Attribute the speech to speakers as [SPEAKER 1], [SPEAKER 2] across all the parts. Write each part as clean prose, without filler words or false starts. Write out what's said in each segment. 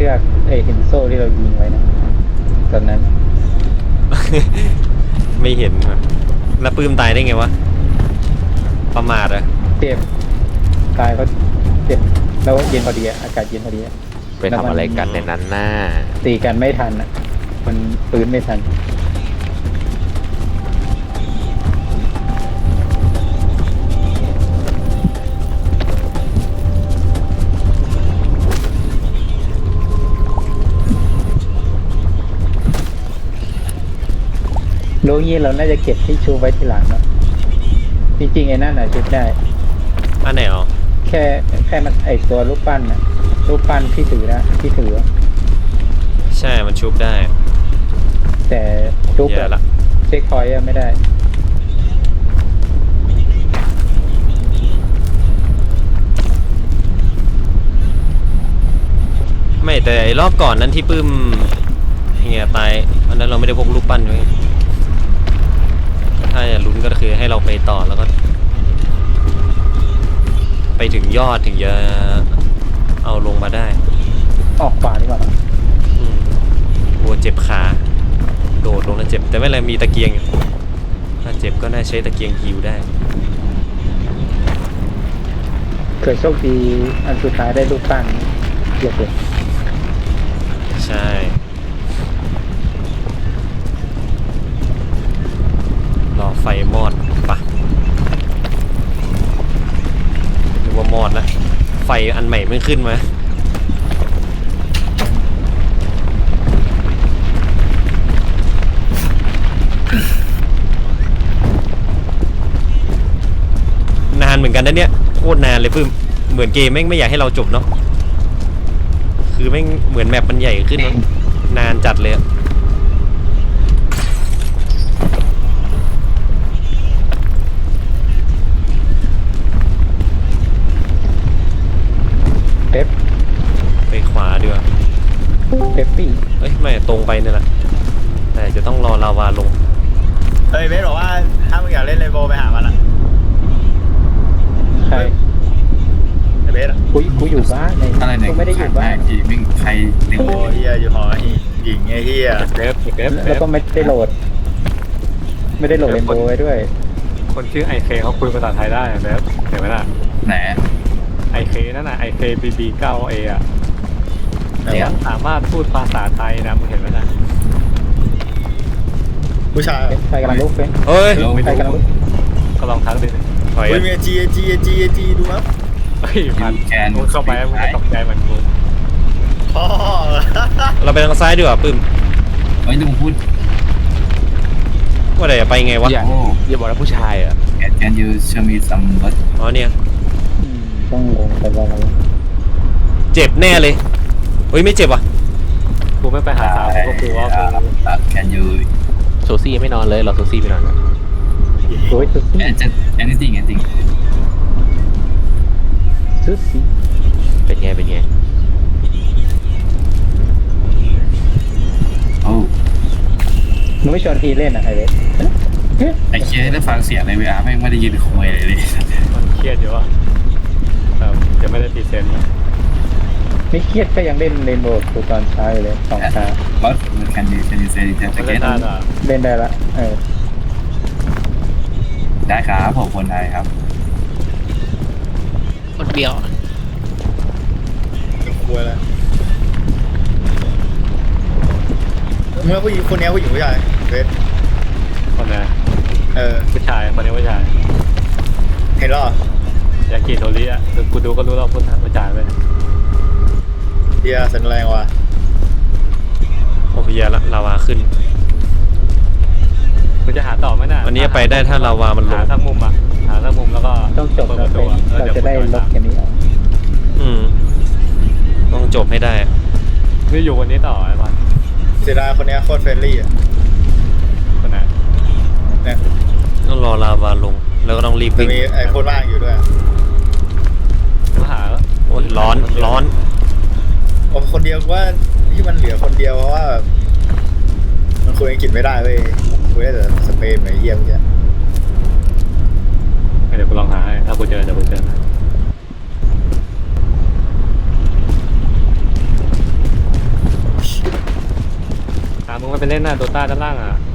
[SPEAKER 1] อกเห็นโซ่ที่เรายิงไว้นะตอนนั้น
[SPEAKER 2] ไม่เห็นว่ะแล้วปื้มตายได้ไงวะประมาทอะ
[SPEAKER 1] เจ็บตายก็เจ็บแล้วเย็นพอดีอากาศเย็นพอดี
[SPEAKER 3] ไปทำอะไรกันในนั้นน่า
[SPEAKER 1] ตีกันไม่ทันอ่ะมันปืนไม่ทันโลงี้เราน่าจะเก็บที่ชูไว้ทีหลังเนาะจริงๆไอ้นั่นน่ะชุดได้
[SPEAKER 2] อันไหนอ๋อ
[SPEAKER 1] แค่มันตัวรูปปั้นน่ะรูปปั้นที่ถือนะที่ถือ
[SPEAKER 2] ใช่มันชุบได้
[SPEAKER 1] แต่ชุบ
[SPEAKER 2] แย่
[SPEAKER 1] แบบ
[SPEAKER 2] ละ
[SPEAKER 1] เช็คพอยต์ไม่ได้
[SPEAKER 2] ไม่แต่ไอ้รอบก่อนนั้นที่ปื้มเฮียตายอันนั้นเราไม่ได้พกรูปปั้นไว้ถ้าจะลุ้นก็คือให้เราไปต่อแล้วก็ ไปถึงยอดถึงจะเอาลงมาได้
[SPEAKER 1] ออกขวาดีกว่า
[SPEAKER 2] วัวเจ็บขาโดดลงแล้วเจ็บแต่ไม่เป็นไรมีตะเกียงอยู่ถ้าเจ็บก็น่าใช้ตะเกียงฮิวได้
[SPEAKER 1] เกิดโชคดีอันสุดท้ายได้รูปปั้นเยอะเลย
[SPEAKER 2] ใช่รอไฟมอดปะนึกว่ามอดแล้วไฟอันใหม่เพิ่งขึ้นมานานเหมือนกันนะเนี่ยโคตรนานเลยปื้มเหมือนเกมแม่งไม่อยากให้เราจบเนาะคือแม่งเหมือนแมปมันใหญ่ขึ้นเนอะนานจัดเลยอะ
[SPEAKER 1] เป๊ป
[SPEAKER 2] ไปขวาดีกว่า
[SPEAKER 1] เป๊ปปี้
[SPEAKER 2] เอ้ยไม่ตรงไปเนี่ยแหละแต่จะต้องรอลาวาลง
[SPEAKER 4] เฮ้ยเบสบอกว่าถ้ามึงอยากเล่นเรนโบว์ไปหามันละ
[SPEAKER 1] ใคร
[SPEAKER 4] ไอ้เบสอะ
[SPEAKER 1] กูอยู่บ้านไง
[SPEAKER 5] อะไรเนี่ย
[SPEAKER 1] กูไม่ได้อยู่บ้าน
[SPEAKER 5] พี่มิ่งใครหนึ่ง
[SPEAKER 4] โอ้ยเฮียอยู่หอหญิงไอ้เฮีย
[SPEAKER 1] แล้วก็ไม่ได้โหลด ไม่ได้โหลดเรนโบว์ไว้ด้วย
[SPEAKER 6] คนชื่อไอเคเขาคุยภาษาไทยได้แบบเห็นไหมล่ะ
[SPEAKER 5] ไหน
[SPEAKER 6] ไอเคนั่นน่ะไอเคบีเก้าเออะ
[SPEAKER 4] ไหนวะ
[SPEAKER 6] สามารถพูดภาษาไทยนะมึงเห็นไหมล่ะ
[SPEAKER 4] ผู้ชาย
[SPEAKER 1] ใครกำลังลุกเป็น
[SPEAKER 2] เฮ้ย
[SPEAKER 1] ใครกำลังลุก
[SPEAKER 6] ก็ลองทักดิ
[SPEAKER 2] ถอย
[SPEAKER 4] เฮ้ย
[SPEAKER 2] อะ
[SPEAKER 4] มีจีดูครับ
[SPEAKER 6] เฮ้ยมัน
[SPEAKER 5] แกน
[SPEAKER 6] มึงเข้าไปมึงจะตกใจเหมือนกู
[SPEAKER 4] พ่อ
[SPEAKER 2] เราไปทางซ้ายดีกว่าปื้ม
[SPEAKER 5] เฮ้ยลุงพูด
[SPEAKER 2] ว่าไหนจะไปไงวะ
[SPEAKER 3] อย่าบอกว่าผู้ชายอ่ะ
[SPEAKER 5] Can you show me some what
[SPEAKER 2] อ๋อเนี่ย
[SPEAKER 1] ต้องลงไปบ้าง
[SPEAKER 2] เจ็บแน่เลยเฮ้ยไม่เจ็บว่ะ
[SPEAKER 6] กูไม่ไปหาสาวกูก็กลัวว่ากู
[SPEAKER 5] Can you
[SPEAKER 3] โซซี่ยังไม่นอนเลยรอโซซี่ไปนอนก่อน
[SPEAKER 1] โอ้ยซุซี่
[SPEAKER 5] just anything
[SPEAKER 1] ซุซี่
[SPEAKER 3] เป็นไง
[SPEAKER 5] โอ้
[SPEAKER 1] มึงไม่ชวนพีเล่นอ่ะไอเวส
[SPEAKER 5] ไอ้เชี่ยได้ฟังเสียงใน VR แม่งไม่ได้ยินคุยเลย
[SPEAKER 6] มันเครียดอยู่อ่ะจะไม่ได้พรีเซนต์
[SPEAKER 1] ไม่เครียดก็ยังเล่นเรนโบว์กูตอนเช้าอยู่เลย2 เช้า
[SPEAKER 5] What can you say that
[SPEAKER 6] ไม่ได้
[SPEAKER 5] again
[SPEAKER 6] ตาด่า
[SPEAKER 1] เล่นได้ละ
[SPEAKER 5] ได้ครับผมคนไทยครับ
[SPEAKER 3] คนเดียว
[SPEAKER 4] เป็นครัวแล้วเมื่อผู้หญิงคนนี้ผู้หญิงผู้ชายเบส
[SPEAKER 6] คนนะ
[SPEAKER 4] ผู้ชาย
[SPEAKER 6] คนนี้ผู้ชาย
[SPEAKER 4] เห็นหรอย
[SPEAKER 6] ากิโทริอ่ะคือกูดูก็รู้แล้วผู้ชายเลย
[SPEAKER 4] เฮียแสดงแรงว่ะ
[SPEAKER 2] โอ้พยาละลาวาขึ้น
[SPEAKER 6] กูจะหาต่อไหมน่ะ
[SPEAKER 2] วันนี้ไปได้ถ้าลาวามันลง
[SPEAKER 6] หาทั้งมุมอ่ะหาทั้งมุมแล้วก็
[SPEAKER 1] ต้องจบแล้วเป็นเราจะได้ลบแค่นี้ออก
[SPEAKER 2] ต้องจบให้ได้
[SPEAKER 6] นี่อยู่วันนี้ต่อไอ้บ้าน
[SPEAKER 4] เสียดายคนนี้โคตรเฟรนลี่อ่ะ
[SPEAKER 6] คนไหน
[SPEAKER 4] เนี่ย
[SPEAKER 2] ต้องรอลาวาลงแล้วก็ต้องรีบ
[SPEAKER 4] จะ
[SPEAKER 2] วิ่ง
[SPEAKER 4] มีไอ้โคตรว่างอยู่ด้วย
[SPEAKER 6] กูหา
[SPEAKER 2] โอ้ยร้อน
[SPEAKER 4] โอ้คนเดียวว่าที่มันเหลือคนเดียวเพราะว่าแบบมันคุยอังกฤษไม่ได้เว้ยคุยได้แต่สเปนไอ้เยี่ยมเนี่ย
[SPEAKER 6] เดี๋ยวกูลองหาให้ถ้ากูเจอเดี๋ยวกูเจองก็ไปเล่นหน้าโดต้าด้านล่างอ่ะ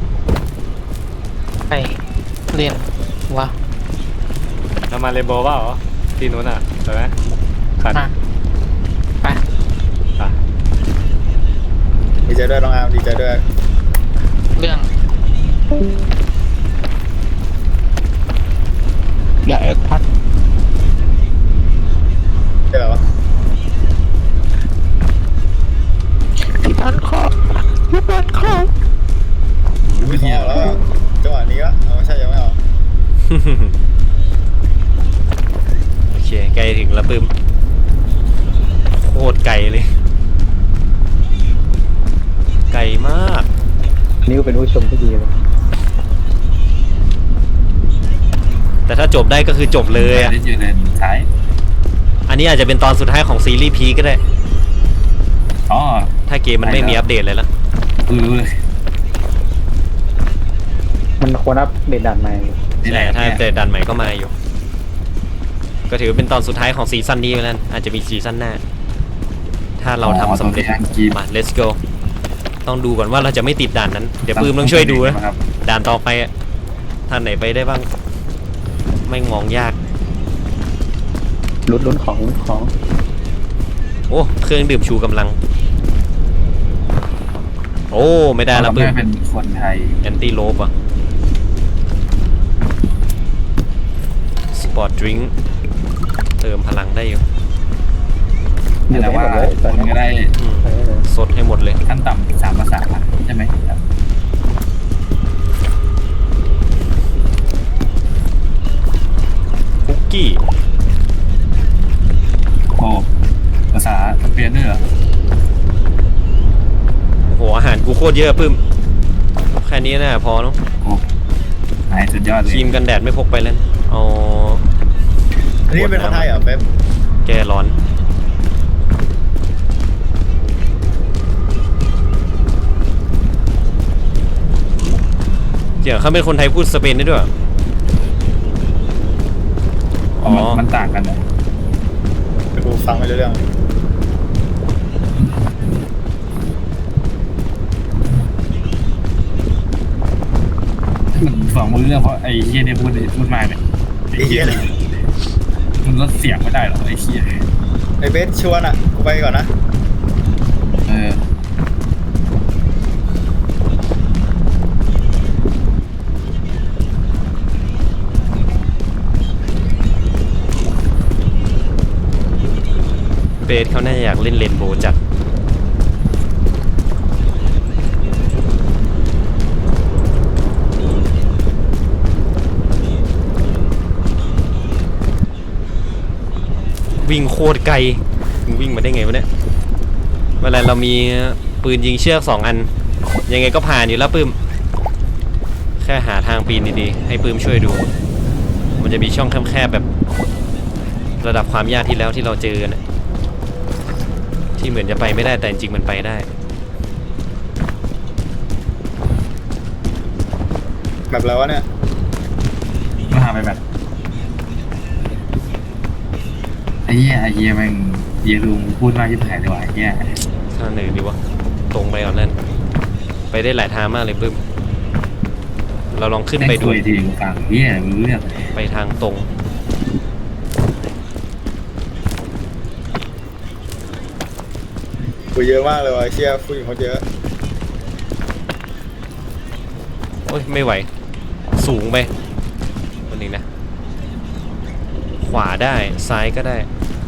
[SPEAKER 7] ไปเรียนวะ
[SPEAKER 6] เรามาเรนโบว์เปล่าที่นู้นอ่ะใช่ไหมขัน
[SPEAKER 7] มาไป
[SPEAKER 6] อ่ะ
[SPEAKER 4] ดีใจด้วยน้องอาร์มดีใจด้วย
[SPEAKER 7] เรื่องอย่าแอคพัด
[SPEAKER 4] ใช่เหรอวะ
[SPEAKER 7] ที่บ้านคอที่บ้านคอ
[SPEAKER 4] ไม่ออกแล้วอะจังหวะนี้ละเอาไม่ใช่ยังไม่ออก
[SPEAKER 2] โอเคใกล้ถึงแล้วปื้มโคตรไกลเลย ไกลมาก
[SPEAKER 1] นิ้วเป็นผู้ชมที่ดีเลย
[SPEAKER 2] แต่ถ้าจบได้ก็คือจบเลยอ่ะ
[SPEAKER 5] ได้ยืนเลนท้าย
[SPEAKER 2] อันนี้อาจจะเป็นตอนสุดท้ายของซีรีส์พีก็ได้
[SPEAKER 5] อ๋อ
[SPEAKER 2] ถ้าเกมมันไม่มีอัปเดตเลยละ
[SPEAKER 5] รู้เลย
[SPEAKER 1] มันควรอัปเดตด่านใหม่
[SPEAKER 5] นี่แห
[SPEAKER 2] ใช่
[SPEAKER 5] ละ
[SPEAKER 2] ถ้าอัปเดตดันใหม่ก็มาอยู่ ก็ถือเป็นตอนสุดท้ายของซีซั่นนี้ไปแล้วอาจจะมีซีซั่นหน้า ถ้าเราทำสำเร็จ มา let's go ต้องดูก่อนว่าเราจะไม่ติดด่านนั้น เดี๋ยวปื้มต้องช่วยดูนะ
[SPEAKER 5] ครับ
[SPEAKER 2] ด่านต่อไปอะท่านไหนไปได้บ้าง ไม่งองยาก
[SPEAKER 1] ลุ้นของ
[SPEAKER 2] โอ้เครื่องดื่มชูกำลัง โอ้ไม่ได้แล้ว
[SPEAKER 5] เรา
[SPEAKER 2] ปื้ม
[SPEAKER 5] ไม่เป็นคนไทย
[SPEAKER 2] แอนตี้โลบอะสปอร์ตดริงก์เติมพลังได้อยู่
[SPEAKER 1] อยู่
[SPEAKER 5] แต่
[SPEAKER 1] ได้ห
[SPEAKER 5] ว่าม
[SPEAKER 1] ดเลยตอน
[SPEAKER 5] คุณ
[SPEAKER 1] นี้
[SPEAKER 5] ก็ได้
[SPEAKER 2] อืม
[SPEAKER 1] เออ
[SPEAKER 2] สดให้หมดเลย
[SPEAKER 5] ขั้นต่ำ3 ภาษาใช่ไหมครับ
[SPEAKER 2] คุกกี้
[SPEAKER 5] โอ้ภาษาสเปนด้วยเหรอ
[SPEAKER 2] โหอาหารกูโคตรเยอะปื้ม แค่นี้น่าพอเนาะ
[SPEAKER 5] โอ้นายสุดยอดเล
[SPEAKER 2] ค
[SPEAKER 5] ย
[SPEAKER 2] รีมกันแดดไม่พกไปแล้วเอา
[SPEAKER 4] อันนี้เป็นคนไทยเหรอเป๊ป
[SPEAKER 2] แก้ร้อน เดี๋ยวเขาเป็นคนไทยพูดสเปนได้ด้วยเหรอ
[SPEAKER 5] อ๋อมันต่างกันเหรอ
[SPEAKER 4] กูฟังไม่รู้เรื่อง
[SPEAKER 5] มันฟังไม่รู้เรื่องเพราะไอ้เฮียเนี่ยพูดมากเนี่ย
[SPEAKER 4] ไอ้เหี้ย
[SPEAKER 5] มันลดเสียงไม่ได้หรอไอ้เฮีย
[SPEAKER 4] ไอ้เบสชวนอ่ะกูไปก่อนนะ
[SPEAKER 5] เออ
[SPEAKER 2] เบสเขาน่าจะอยากเล่นเลนโบว์จัด วิ่งโคตรไกลมึงวิ่งมาได้ไงวะเนี่ยเวลาเรามีปืนยิงเชือก2 อัน ยังไงก็ผ่านอยู่แล้วปื้ม แค่หาทางปีนดีๆ ให้ปื้มช่วยดู มันจะมีช่องแคบๆแบบ ระดับความยากที่แล้วที่เราเจอนะที่เหมือนจะไปไม่ได้แต่จริงๆมันไปได้
[SPEAKER 4] แบบแล้ววะเนี่ย
[SPEAKER 5] มาหาไปแบบไอ้เหี้ยแม่งเหี้ยลุงพูดมากที่ถ่ายเลยว่ะไอ้เหี้ย
[SPEAKER 2] ทางไหนดีวะ ตรงไปก่อนนั่นไปได้หลายทางมากเลยปื้ม เราลองขึ้นไป
[SPEAKER 5] แม่ง
[SPEAKER 2] ดู
[SPEAKER 5] คุยทีกูฟังเหี้ยรู้เรื่อง
[SPEAKER 2] ไปทางตรง
[SPEAKER 4] กูเยอะมากเลยว่ะไอ้เชี่ยผู้หญิงเขาเยอะ
[SPEAKER 2] โอ้ยไม่ไหว สูงไปวันนี้นะ ขวาได้ซ้ายก็ได้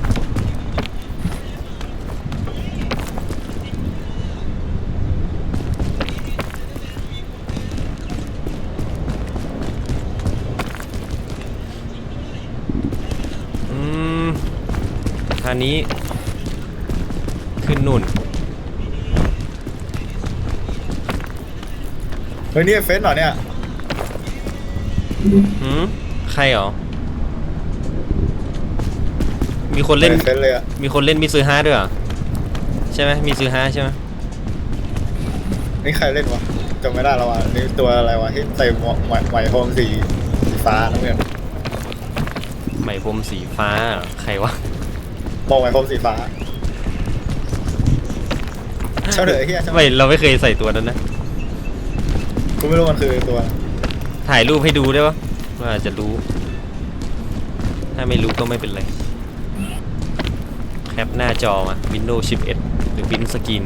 [SPEAKER 2] ทางนี้ ขึ้นนู่น
[SPEAKER 4] เฮ้ยนี่เฟซเหรอเนี่ย
[SPEAKER 2] หืมใครเหรอ มีคนเล่น
[SPEAKER 4] เฟซเลยอ่ะ
[SPEAKER 2] มีคนเล่นมิซูฮาด้วยเหรอ ใช่ไหมมิซูฮาใช่ไหม
[SPEAKER 4] นี่ใครเล่นวะจำไม่ได้แล้ววะนี่ตัวอะไรวะที่ใส่หมวกไหมพรมสีฟ้าน้ำเงิน
[SPEAKER 2] ไหมพรมสีฟ้าเหรอใครวะ
[SPEAKER 4] มองไหมพรมสีฟ้าชอบเถอะเฮียชอบ
[SPEAKER 2] ไม่เราไม่เคยใส่ตัวนั้นนะ
[SPEAKER 4] กูไม่รู้มันคือตัว
[SPEAKER 2] ถ่ายรูปให้ดูได้ปะว่าอาจจะรู้ ถ้าไม่รู้ก็ไม่เป็นไร แคปหน้าจอมา Windows 11 หรือ Print Screen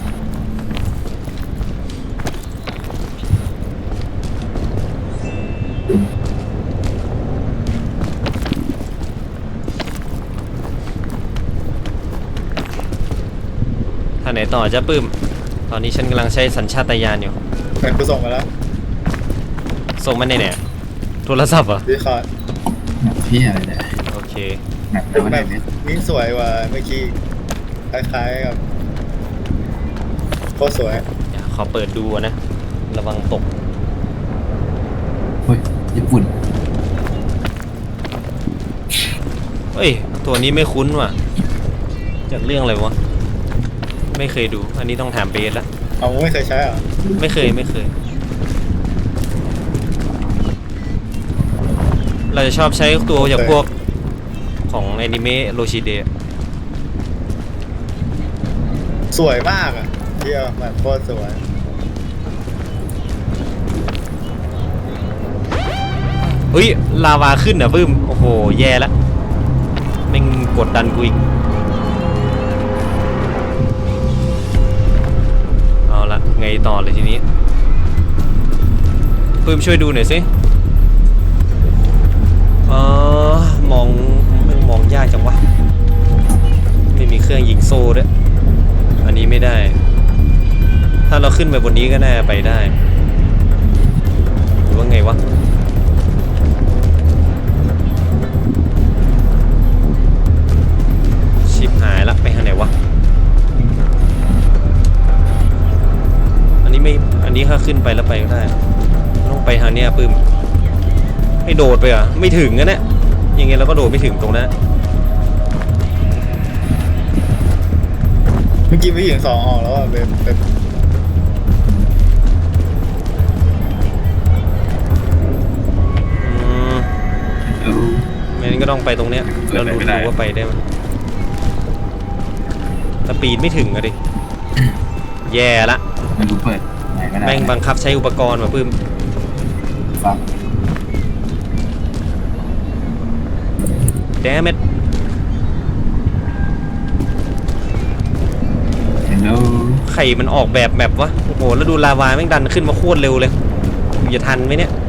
[SPEAKER 2] ท่าไหนต่อจะปื้ม ตอนนี้ฉันกำลังใช้สัญชาตญาณอยู่
[SPEAKER 4] แต่กูส่งมาแล้ว
[SPEAKER 2] ส่งมาในไหนโทรศัพท์เหรอ
[SPEAKER 4] ดีคอร์ด
[SPEAKER 5] แบบพี่อะไรเนี่ย
[SPEAKER 2] โอเค
[SPEAKER 5] แบบแต่ว่า
[SPEAKER 4] แบ
[SPEAKER 5] ได้
[SPEAKER 4] บ
[SPEAKER 5] เนี่ย
[SPEAKER 4] นี่สวยกว่าเมื่อกี้คล้ายๆกับโคตรสวย
[SPEAKER 2] เดี๋ยวขอเปิดดูนะ ระวังตก
[SPEAKER 5] เฮ้ยญี่ปุ่น
[SPEAKER 2] เฮ้ย ตัวนี้ไม่คุ้นว่ะ จากเรื่องอะไรวะ ไม่เคยดู อันนี้ต้องถามเบสละ
[SPEAKER 4] เอาไม่เคยใช้เหรอ
[SPEAKER 2] ไม่เคย เราจะชอบใช้ตัวจากพวกของแอนิเมะโรชิเดะ
[SPEAKER 4] สวยมากอ่ะเที่ยวมันโคตรสวย
[SPEAKER 2] เฮ้ย ลาวาขึ้นอ่ะบึ้ม โอ้โห แย่ละแม่งกดดันกูอีก เอาละไงต่อเลยทีนี้ปื้มช่วยดูหน่อยสิมองยากจังวะ ไม่มีเครื่องยิงโซ่ด้วย อันนี้ไม่ได้ ถ้าเราขึ้นไปบนนี้ก็น่าไปได้ หรือว่าไงวะ ชิบหายละไปทางไหนวะ อันนี้ถ้าขึ้นไปแล้วไปก็ได้ ต้องไปทางเนี้ยปื้มให้โดดไปอ่ะ ไม่ถึงนะเนี่ยยังไงเราก็โดดไม่ถึงตรงนั้น
[SPEAKER 4] เมื่อกี้พี่หญิงสองออกแล้วอ่ะเป็น
[SPEAKER 5] เออ
[SPEAKER 2] ไม่งั้นก็ต้องไปตรงเนี้ยแล้วดูว่าไปได้ไหมแต่ปีนไม่ถึงอะดิ แย่ละ
[SPEAKER 5] ไม่รู้เปิดไหนก็ได้
[SPEAKER 2] แม่งบังคับใช้อุปกรณ์มาปื้ม
[SPEAKER 5] ฟัง
[SPEAKER 2] แดมเม็ด
[SPEAKER 5] เห็นแล้ว
[SPEAKER 2] ไข่มันออกแบบแมปวะ โอ้โห แล้วดูลาวาแม่งดันขึ้นมาโคตรเร็วเลยอย่าทันไหมเนี่ย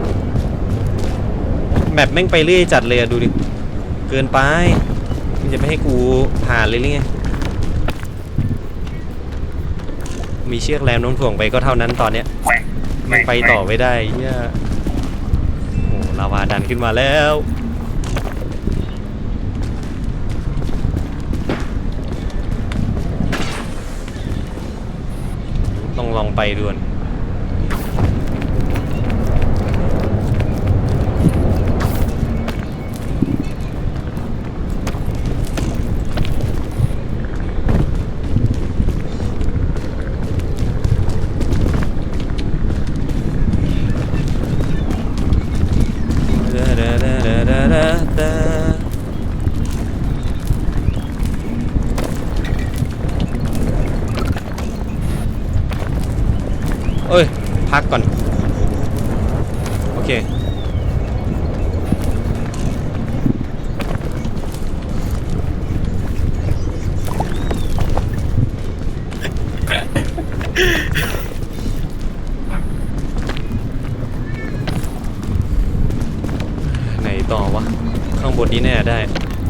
[SPEAKER 2] แมปแม่งไปเรื่อยจัดเลยอะดูดิ เกินไปมันจะไม่ให้กูผ่านเลยหรือไง มีเชือกแรมโน้มถ่วงไปก็เท่านั้นตอนเนี้ย
[SPEAKER 5] แหว่งแหว่ง
[SPEAKER 2] ไปต่อไม่ได้เหี้ยโอ้ลาวาดันขึ้นมาแล้ว ต้องลองไปด่วน เอ้ย พักก่อน โอเค ไหนต่อวะ ข้างบนนี้แน่ได้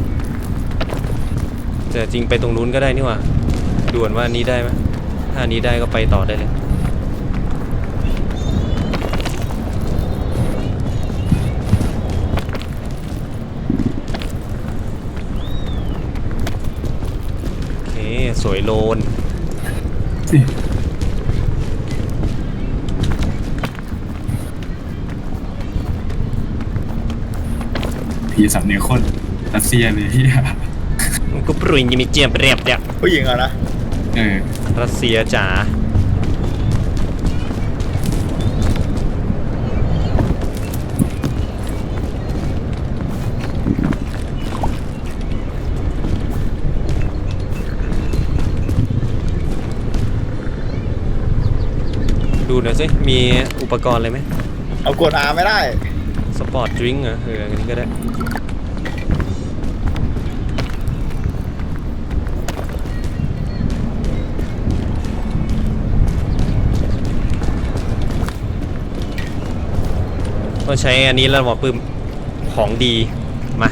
[SPEAKER 2] แต่จริงไปตรงนู้นก็ได้นี่หว่าด่วนว่าอันนี้ได้ไหมถ้าอันนี้ได้ก็ไปต่อได้เลย โอเค สวยโลน
[SPEAKER 5] ผีสำเนียงคนรัสเซียเลยที่
[SPEAKER 2] กูปรุยยังมีเจียมเรียบเนี่ย
[SPEAKER 4] ผู้หญิงอ่ะนะ
[SPEAKER 5] เออ
[SPEAKER 2] รัสเซียจ๋าดูหน่อยสิมีอุปกรณ์อะไรไหม
[SPEAKER 4] เอากด R ไม่ได้
[SPEAKER 2] สปอร์ตดริงก์เหรออันนี้ก็ได้ต้องใช้อันนี้แล้วหมอปื้มของดีมา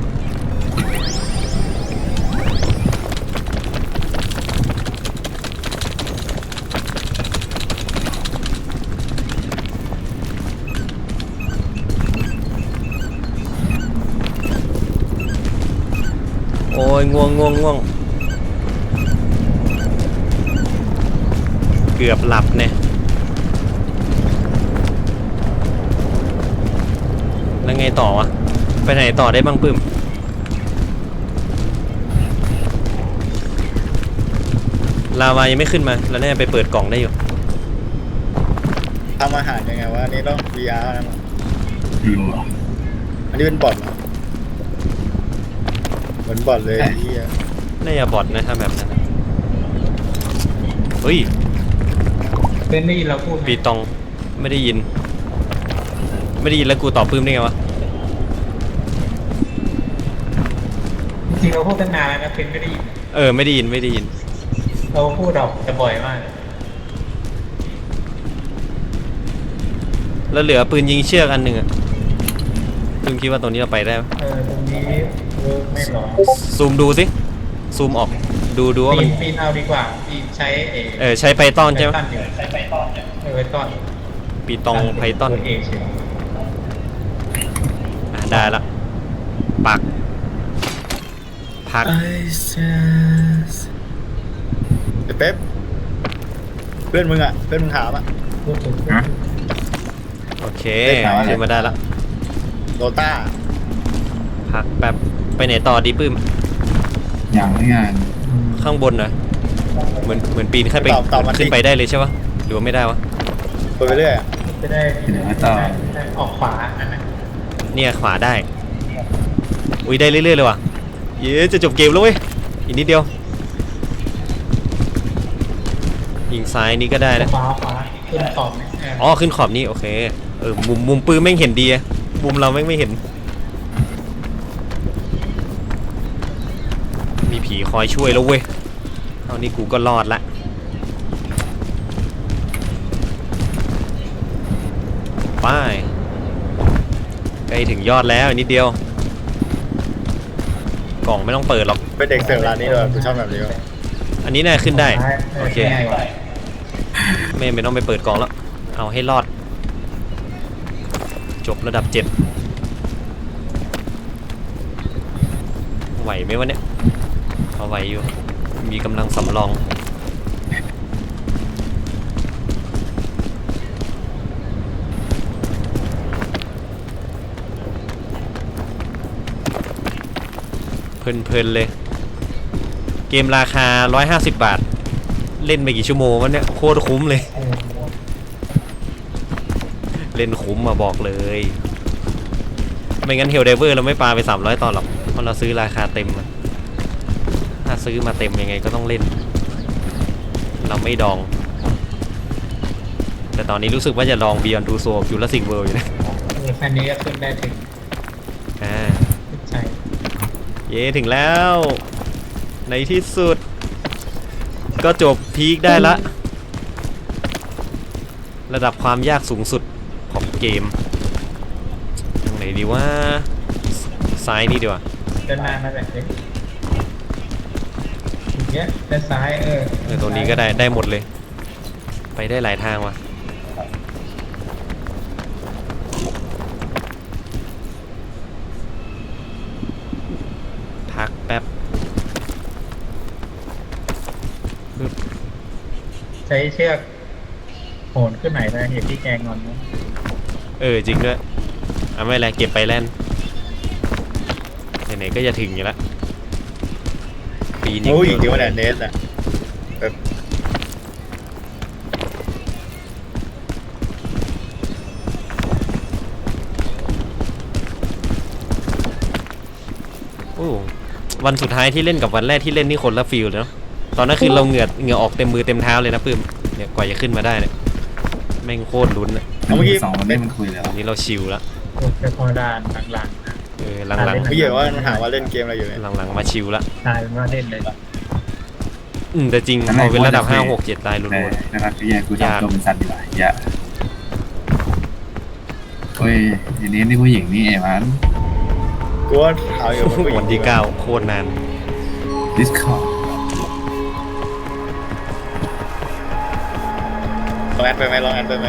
[SPEAKER 2] โอ้ยง่วงเกือบหลับเนี่ยแล้วไงต่อวะไปไหนต่อได้บ้างปื้มลาวายังไม่ขึ้นมาแล้วเนี่ยไปเปิดกล่องได้อยู่
[SPEAKER 4] ทำอาหารยังไงวะอันนี้ต้อง VR นะมั้ง
[SPEAKER 5] รู้เหรอ
[SPEAKER 4] อันนี้เป็นบอทเหรอเหมือนบอทเลยไอ้เหี้ย
[SPEAKER 2] น่าจะบอทนะถ้าแบบนั้นนะเฮ้ย
[SPEAKER 1] เป็นนี่เราพูดไหม
[SPEAKER 2] ปีตองไม่ได้ยินแล้วกูตอบปื้มได้ไงวะ
[SPEAKER 1] จริงเราพูดตั้งนานแล้วนะเป็นไม่ได้ยิน
[SPEAKER 2] ไม่ได้ยิน
[SPEAKER 1] เราพูดออกจะบ่อยมากเลย
[SPEAKER 2] แล้วเหลือปืนยิงเชือกอันหนึ่งอะปื้มคิดว่าตรงนี้เราไปได้ไหม
[SPEAKER 1] ตรงนี้เวิร์กไม่หรอ
[SPEAKER 2] ซูมดูสิซูมออกดูว่ามัน
[SPEAKER 1] ปีนเอาดีกว่าปีนใช้
[SPEAKER 2] ใช้ไพทอนใช่ไหม
[SPEAKER 1] ใช้ไพทอนไพทอน
[SPEAKER 2] ปีตองไพทอน
[SPEAKER 1] เอใช่
[SPEAKER 2] ได้ละปักพัก
[SPEAKER 4] ไอ้เป๊ปเพื่อนมึงถามอ่ะ
[SPEAKER 1] พูดถึง
[SPEAKER 2] โอเค
[SPEAKER 4] ได้ข่าวอะไร
[SPEAKER 2] ขึ้นมาได้ละ
[SPEAKER 4] โดต้า
[SPEAKER 2] พักแป๊บไปไหนต่อดีปื้ม
[SPEAKER 5] อย่างไม่งาน
[SPEAKER 2] ข้างบนเหรอเหมือนปีนขึ้นไป
[SPEAKER 4] ตอบมา
[SPEAKER 2] ขึ้นไปได้เลยใช่ปะหรือว่าไม่ได้วะ
[SPEAKER 4] ไปเรื่อยอะ
[SPEAKER 1] จะได้
[SPEAKER 5] เดี๋ยวต่อ
[SPEAKER 1] ออกขวาอันนั้น
[SPEAKER 2] เนี่ยขวาได้อุ้ยได้เรื่อยๆเลยว่ะเย้จะจบเกมแล้วเว้ยอีกนิดเดียวยิงซ้ายนี่ก็ได้นะ
[SPEAKER 1] ขวาขึ้นขอบไหม
[SPEAKER 2] อ๋อขึ้นขอบนี่โอเคมุมปืนแม่งเห็นดีอะมุมเราแม่งไม่เห็นมีผีคอยช่วยแล้วเว้ยเอานี่กูก็รอดละไปใกล้ถึงยอดแล้วอีกนิดเดียวกล่องไม่ต้องเปิดหรอก
[SPEAKER 4] เป็นเด็กเสิร์ฟร้านนี้เลยกูชอบแบบนี้ว่ะ
[SPEAKER 2] อันนี้น่าขึ้นได้โอเค
[SPEAKER 1] ง่ายกว่า
[SPEAKER 2] ไม่ต้องไปเปิดกล่องแล้วเอาให้รอดจบระดับ7ไหวไหมวะเนี่ยเอาไหวอยู่มีกำลังสำรองเพลินเลยเกมราคา150 บาทเล่นไปกี่ชั่วโมงวะเนี่ยโคตรคุ้มเลยเล่นคุ้มมาบอกเลยไม่งั้นเฮลเดเวอร์เราไม่ปาไป300 ตอนหรอกเพราะเราซื้อราคาเต็มอะถ้าซื้อมาเต็มยังไงก็ต้องเล่นเราไม่ดองแต่ตอนนี้รู้สึกว่าจะลอง Beyond Two Souls อยู่ละสิงเวิลด์อยู่นะ
[SPEAKER 1] คันนี้ก็ขึ้นได้ถึง ใช่
[SPEAKER 2] เย้ถึงแล้วในที่สุดก็จบพีคได้ละระดับความยากสูงสุดของเกมทางไหนดีว่าซ้ายนี่ดีกว่า
[SPEAKER 1] ด้านหน้านั่นแหละอย่างเงี้ยด้านซ้าย
[SPEAKER 2] ตรงนี้ก็ได้หมดเลยไปได้หลายทางว่ะพักแป๊บ
[SPEAKER 1] ใช้เชือกโหนขึ้นไหนนะเห็นที่แกงงอนนะ
[SPEAKER 2] จริงด้วยไม่เป็นไรเก็บไปแล่นไหนๆก็จะถึงอยู่แล้วปีนี้
[SPEAKER 4] โอ้ยจริงว่าแดนเนสอะแบบ
[SPEAKER 2] วันสุดท้ายที่เล่นกับวันแรกที่เล่นนี่คนละฟีลเลยเนาะตอนนั้นคือเราเหงื่อออกเต็มมือเต็มเท้าเลยนะปื้มเนี่ยกว่าจะขึ้นมาได้เนี่ยแม่งโคตรลุ้นอะ
[SPEAKER 4] เอาเมื่อกี้
[SPEAKER 5] สองคนนี้มันคุยแล้ว
[SPEAKER 2] วันนี้เราชิลแล้ว
[SPEAKER 1] แค่พอด่านหลัง
[SPEAKER 2] หลัง
[SPEAKER 4] เมื่อกี้ว่ามันถามว่าเล่นเกมอะไรอยู่เนี่ย
[SPEAKER 2] ๆหลังๆมาชิลละ
[SPEAKER 1] ๆตายเป็นว่าเล่นเลย
[SPEAKER 2] แต่จริงพอเป็นระดับ 5 6 7 ตายลุ้
[SPEAKER 5] แต่
[SPEAKER 2] น
[SPEAKER 5] นะครับไอ้เหี้ยกูทำตัวเป็นสัตว์ดีกว่าอย่าเฮ้ยทีนี้นี่ผู้หญิงนี่ไอ้มัน
[SPEAKER 4] กูว่าถามอยู่มันผู้หญิง
[SPEAKER 2] วันที่ 9 โคตรนาน
[SPEAKER 5] ดิสคอร์
[SPEAKER 4] ลองแอดไปไหมลองแอดไปไหม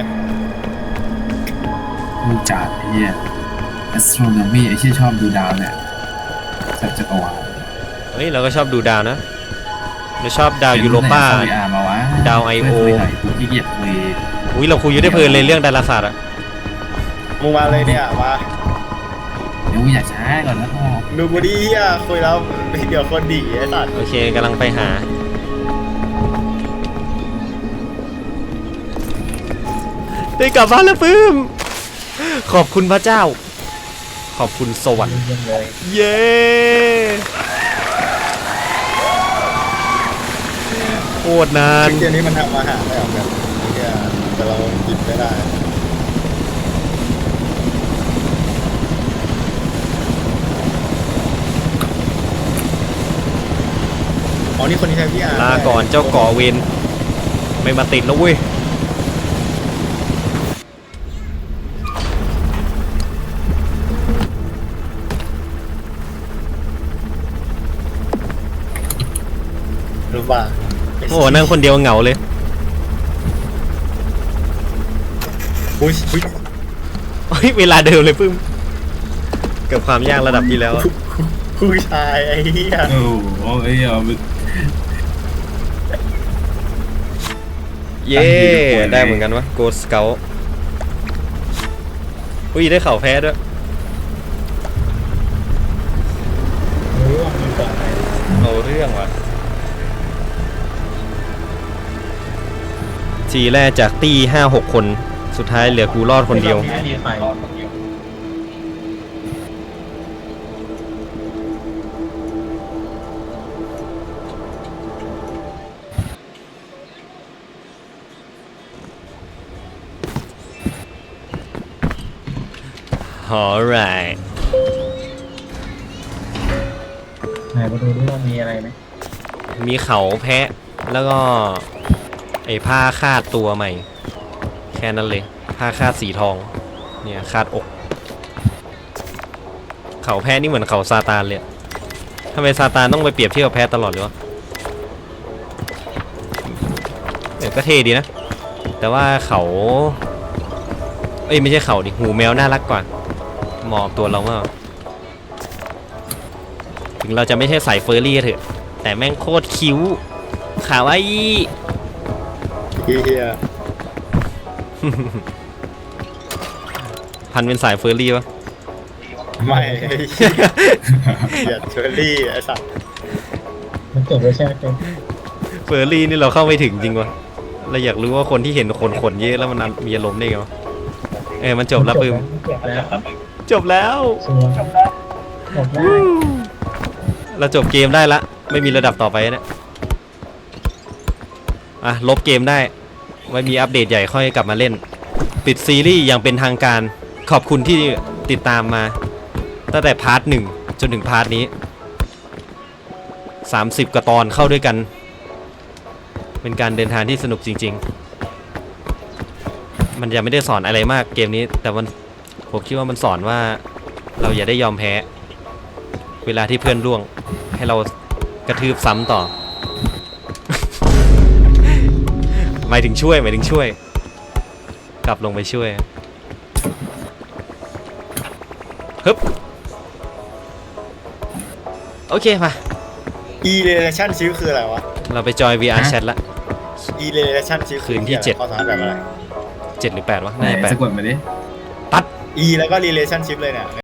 [SPEAKER 5] มูจาดไอ้เหี้ย astronomy ไอ้เหี้ยชอบดูดาวเนี่ยสัตว์จักรวาล
[SPEAKER 2] เฮ้ย เราก็ชอบดูดาวนะเราชอบดาวยูโรปา
[SPEAKER 5] มาวะ
[SPEAKER 2] ดาว I.O.
[SPEAKER 5] ไม่คุยหน่อยกูขี้เกียจคุย
[SPEAKER 2] อุ้ยเราคุยอยู่ได้เพลินเลยเรื่องดาราศาสตร์อะ
[SPEAKER 4] มึงมาเลยเนี่ยมา
[SPEAKER 5] เดี๋ยวกูอยากช้าก่อนนะพ่อ
[SPEAKER 4] ดูกูดิเฮียคุยแล้วเดี๋ยวคนดีไอ้สัตว์
[SPEAKER 2] โอเคกำลังไปหา ได้กลับบ้านแล้วปื้ม ขอบคุณพระเจ้า ขอบคุณสวรรค์
[SPEAKER 1] ยังเลย
[SPEAKER 2] เย้โคตรนาน
[SPEAKER 4] เกมนี้มันทำอาหารได้หรอแบบเฮียแต่เรากินไม่ได้อ๋อนี่คนที่ใช้พี่อาร์
[SPEAKER 2] ลาก่อนเจ้าก่อเวรไม่มาติดแล้วเว้ย
[SPEAKER 4] รู้ป่ะ
[SPEAKER 2] โอ้โหนั่งคนเดียวเหงาเลย
[SPEAKER 4] อุ้ยอุ้ย
[SPEAKER 2] เฮ้ยเวลาเดิมเลยปื้มเกับความยากระดับที่แล้วอะ
[SPEAKER 4] ผู้ชายไอ้เหี้ย
[SPEAKER 5] โอ้โหไอ้เหี้ย
[SPEAKER 2] เย้ได้เหมือนกันวะโกสเกลอุ้ยได้เข่าแพ้ด้วย
[SPEAKER 1] รู้ว่ามีก่อนไหน
[SPEAKER 2] เอาเรื่องว่ะทีแรกจากตี้5-6 คนสุดท้ายเหลือกูรอดคนเดียว
[SPEAKER 1] ไม่มีใคร
[SPEAKER 2] alright
[SPEAKER 1] ไหนมาดูดิว่ามีอะไรไหม
[SPEAKER 2] มีเขาแพะแล้วก็ไอ้ผ้าคาดตัวใหม่ แค่นั้นเลยผ้าคาดสีทองเนี่ยคาดอก เขาแพะนี่เหมือนเขาซาตานเลยอะทำไมซาตานต้องไปเปรียบเทียบกับแพะตลอดเลยวะก็เท่ดีนะ แต่ว่าเขาเอ้ยไม่ใช่เขาดิหูแมวน่ารักกว่าเหมาะกับตัวเรามากถึงเราจะไม่ใช่สายเฟอร์รี่ก็เถอะแต่แม่งโคตรคิ้วขาวไอ้
[SPEAKER 4] เหี้ย
[SPEAKER 2] พันเป็นสายเฟอร์รี่ปะ
[SPEAKER 4] ไม่ไอ้เหี้ยเชอรี่ไอ้สัตว์
[SPEAKER 1] มันจบแล้วใช่ไหมเป็น
[SPEAKER 2] เฟอร์รี่นี่เราเข้าไม่ถึงจริงวะเราอยากรู้ว่าคนที่เห็นคนขนเยอะแล้วมันมีอารมณ์ได้ไงวะมันจบแล้วปืม
[SPEAKER 1] จบแล้ว
[SPEAKER 2] จบแล้ว
[SPEAKER 1] ชัวร์จบได้
[SPEAKER 2] เราจบเกมได้ละไม่มีระดับต่อไปนะลบเกมได้ไว้มีอัปเดตใหญ่ค่อยกลับมาเล่นปิดซีรีส์อย่างเป็นทางการขอบคุณที่ติดตามมาตั้งแต่พาร์ท 1จนถึงพาร์ทนี้30 กว่าตอนเข้าด้วยกันเป็นการเดินทางที่สนุกจริงๆมันยังไม่ได้สอนอะไรมากเกมนี้แต่ผมคิดว่ามันสอนว่าเราอย่าได้ยอมแพ้เวลาที่เพื่อนร่วงให้เรากระทืบซ้ำต่อ หมายถึงช่วยกลับลงไปช่วยฮึบโอเคมา
[SPEAKER 4] อีเรเลชั่นชิฟคืออะไรวะ
[SPEAKER 2] เราไปจอย VR Chat ละ
[SPEAKER 4] อีเรเลชั่นชิฟ
[SPEAKER 2] คืนที่ 7
[SPEAKER 4] ข้อสามแบบอะไร
[SPEAKER 2] 7 หรือ 8 วะ
[SPEAKER 5] ไหน
[SPEAKER 2] น่าจะ
[SPEAKER 5] สะกดมาดิ
[SPEAKER 4] อีแล้วก็ relationship เลยเนี่ย